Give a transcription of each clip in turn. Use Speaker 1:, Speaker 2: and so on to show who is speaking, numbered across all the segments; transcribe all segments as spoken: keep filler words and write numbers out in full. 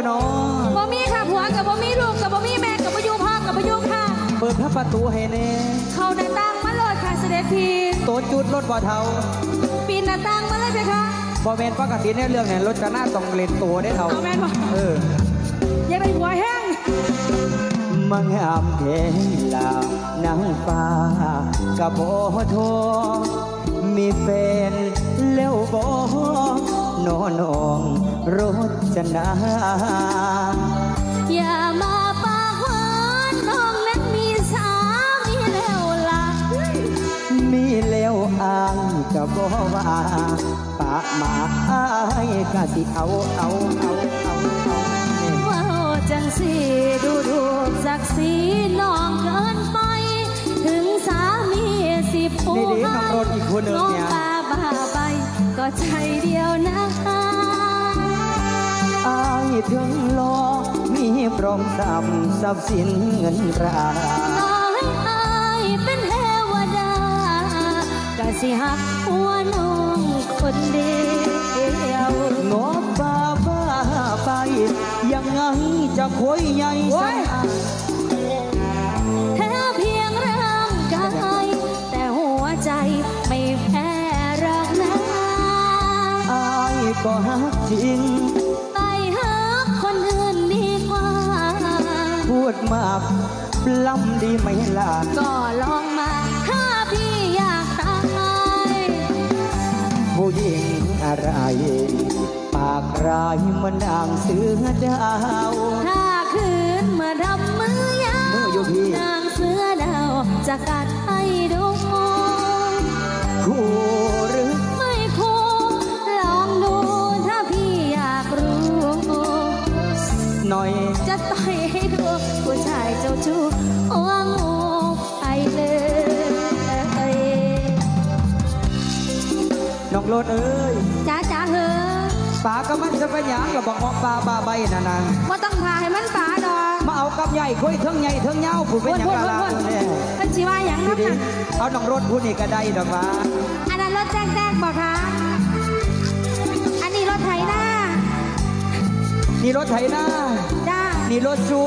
Speaker 1: บ่น้อง
Speaker 2: บ่มีค่ะผัวกับบ่มีลูกกับบ่มีแม่กับบ่อยู่พ่อกับบ่อยู่ค่ะ
Speaker 1: เปิดพระประตูให้แน่
Speaker 2: เข้าหน้าต่างมาโลดค่ะเสด็จพี่
Speaker 1: โตจุดรถบ่เท่า
Speaker 2: ปีนหน้าต่างมาเลยเพคะ
Speaker 1: บ่แม่นปกติในเรื่องเนี่ยรถจะหน้าต้องเล่นตัวได้เท่า
Speaker 2: แม่นบ่
Speaker 1: เออ
Speaker 2: อย่าไปหัวแห้ง
Speaker 1: มังอามเพลลานางฟ้ากะบ่โทมีแฟนแล้วบ่นอนองรถจะนา
Speaker 2: อย่ามาปากหวานน้องนั้นมีสามีแล้วล่ะ
Speaker 1: มีแล้วอ้างกะบ่ว่าปากมาอ้ายกะสิเอาเอาเอาเอา
Speaker 2: ว่าจังสิดูดูศักดิ์ศรีน้องเกินไปถึงสามีสิผู้ให้น้องตาบ้าไปก็ใจเดียวนะ
Speaker 1: อายถึงรอมีพร้อมทรัพย์ทรัพย์สินเงินตรา
Speaker 2: ต่อให้อายเป็นเทวดากะสิหักหัวน้องคนเดียว
Speaker 1: งบบ้าบ้าไปยังไงจะคุยใหญ่สัก
Speaker 2: แค่เพียงร่างกายแต่หัวใจไม่แพ้รักนะ
Speaker 1: อายก็หักจริง
Speaker 2: ไปหักคนอื่นดีกว่า
Speaker 1: พูดมากปล้ำดีไหมล่ะ
Speaker 2: ก็ลองมาถ้าพี่อยากตาย
Speaker 1: ผู้หญิงอะไรปากร้ายเหมือนนางเสือดาว
Speaker 2: ถ้าคืนเมื่อดำมือยาวนางเสือดาวจะกัดให้ดู
Speaker 1: คู่หรือ
Speaker 2: ไม่คู่ลองดูถ้าพี่อยากรู้
Speaker 1: หน่อย
Speaker 2: จะต่อยให้ดูผู้ชายเจ้าชู้หัวงูไปเลย
Speaker 1: น้องโลดเอ้ย
Speaker 2: จ้าจ้าเฮ้
Speaker 1: ปาก็มันจะเป็นหยังหรอบอกว่าปลาบาใบนั่นนะ
Speaker 2: ว่าต้องพาให้มันปลาดอก
Speaker 1: มาเอากับใหญ่คุยเทิงใหญ่เทิงเงาผู้เป็นหยังกะลา
Speaker 2: เนี่ยเป็นชีว่าอย่างนั้นนะ
Speaker 1: เอาน้องรถผู้นี่ก็ได้ดอกว่า
Speaker 2: อันนั้นรถแจ๊กแจ๊กบอกค่ะอันนี้รถไถหน้า
Speaker 1: นี่รถไถหน้า
Speaker 2: จ้า
Speaker 1: นี่รถจู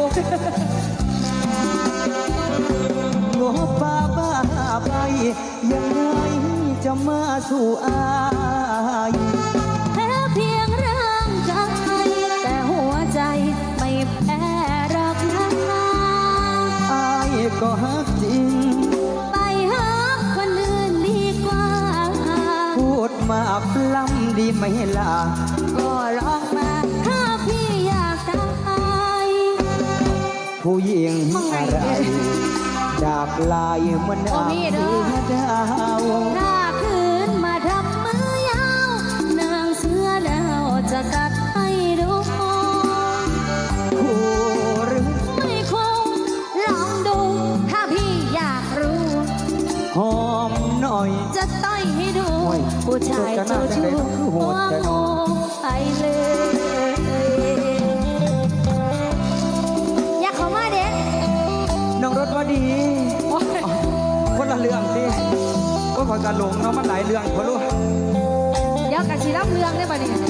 Speaker 1: งบปลาบ้าใบยังไงจะมาสู่อาย
Speaker 2: แค่เพียงร่างกายแต่หัวใจไม่แพ้รักนะ
Speaker 1: อายก็ฮักจริง
Speaker 2: ไปฮักคนอื่นดีกว่า
Speaker 1: พูดมาปล้ำดีไหมล่ะ
Speaker 2: ก็ลองมาถ้าพี่อยากตาย
Speaker 1: ผู้หญิงอะไรดาบลายเหมือนนางเสือดาว
Speaker 2: ถ้าคืนมาทำมือยาวนางเสือดาวจะกัดให้ดู
Speaker 1: คู่หรือ
Speaker 2: ไม่คู่ลองดูถ้าพี่อยากรู้
Speaker 1: หอมหน่อย
Speaker 2: จะต้อยให้ดูผู้ชายเจ้าชู้หัวงูไปเลยอยากเข้ามาเด็ก
Speaker 1: น้องรถว่าดีคนละเรื่องสิว่าพอการหลงเนาะมันหลายเรื่องพอรู้
Speaker 2: เดี๋ยวกันชีรับเรื่องได้ป่ะเนี่ย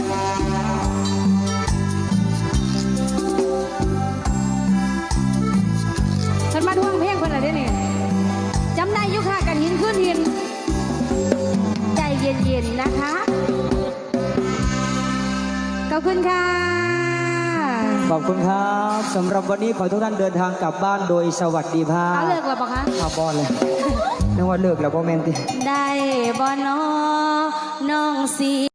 Speaker 2: ฉันมาท่วงเพลงคนอะไรเนี่ยจำได้ยุค่ะกันหินขึ้นหินใจเย็นๆนะคะขอบคุณค่ะ
Speaker 1: ขอบคุณครับสำหรับวันนี้ขอทุกท่านเดินทางกลับบ้านโดยสวัสดิภาพ
Speaker 2: เลิกแล้วปะคะ
Speaker 1: ขับบอลเลยนึกว่าเลิกแล้วโมเมนต์
Speaker 2: ได้บอลน้องน้องสี